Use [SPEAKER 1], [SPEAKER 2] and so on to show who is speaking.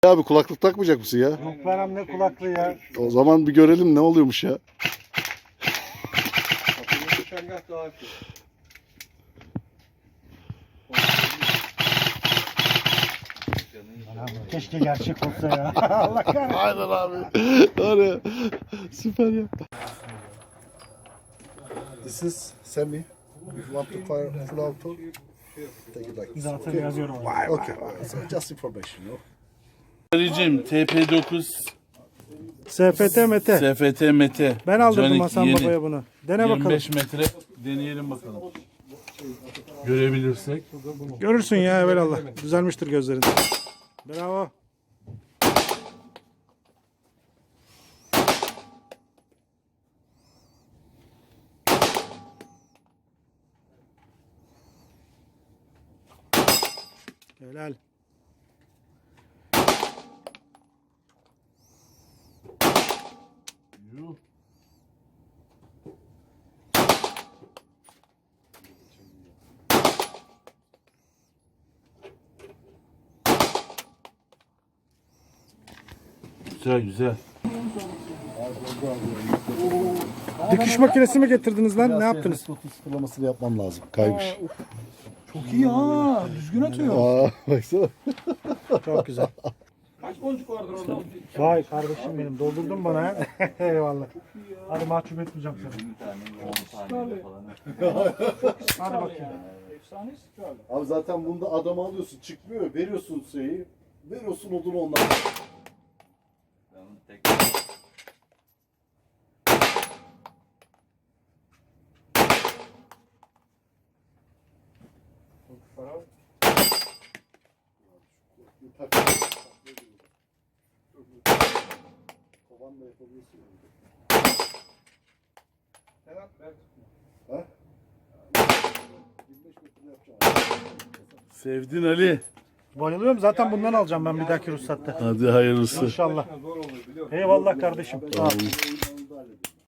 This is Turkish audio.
[SPEAKER 1] Abi kulaklık takmayacak mısın ya?
[SPEAKER 2] Yok benim ne kulaklığı ya.
[SPEAKER 1] O zaman bir görelim ne oluyormuş ya.
[SPEAKER 2] Keşke gerçek olsa ya. Allah kahretsin.
[SPEAKER 1] Aynen abi. Var ya. Süper ya. This is semi. If you want to fire full auto, take it like this.
[SPEAKER 2] Zaten yazıyorum.
[SPEAKER 1] Okay. So just information, you know.
[SPEAKER 3] Arayacağım TP9
[SPEAKER 2] SFT Mete.
[SPEAKER 3] SFT Mete.
[SPEAKER 2] Ben aldırdım
[SPEAKER 3] Canik
[SPEAKER 2] Hasan
[SPEAKER 3] yeni.
[SPEAKER 2] Baba'ya bunu. Dene bakalım.
[SPEAKER 3] 25 metre deneyelim bakalım. Görebilirsek.
[SPEAKER 2] Görürsün ya evelallah. Düzelmiştir gözlerin. Bravo. Helal.
[SPEAKER 3] Yuh. Güzel güzel.
[SPEAKER 2] Dikiş makinesi mi getirdiniz lan? Ne yaptınız?
[SPEAKER 1] Sıfırlamasını yapmam lazım. Kaymış.
[SPEAKER 2] Çok iyi ha. Düzgün atıyor.
[SPEAKER 1] Aa, baksana.
[SPEAKER 2] Çok güzel. Vay kardeşim benim. Doldurdun bana ha. Eyvallah. Hadi mahcup etmeyeceğim seni. Hadi bakayım.
[SPEAKER 1] Abi zaten bunda adam alıyorsun çıkmıyor. Veriyorsun şeyi. Veriyorsun odunu ondan. Kovanla yapabiliyorsun. Ha? 25 metre yapacağım.
[SPEAKER 3] Sevdin Ali.
[SPEAKER 2] Bayılıyorum. Zaten bundan alacağım ben bir dahaki ruhsatta.
[SPEAKER 3] Hadi hayırlısı.
[SPEAKER 2] İnşallah. Eyvallah kardeşim. Sağ ol.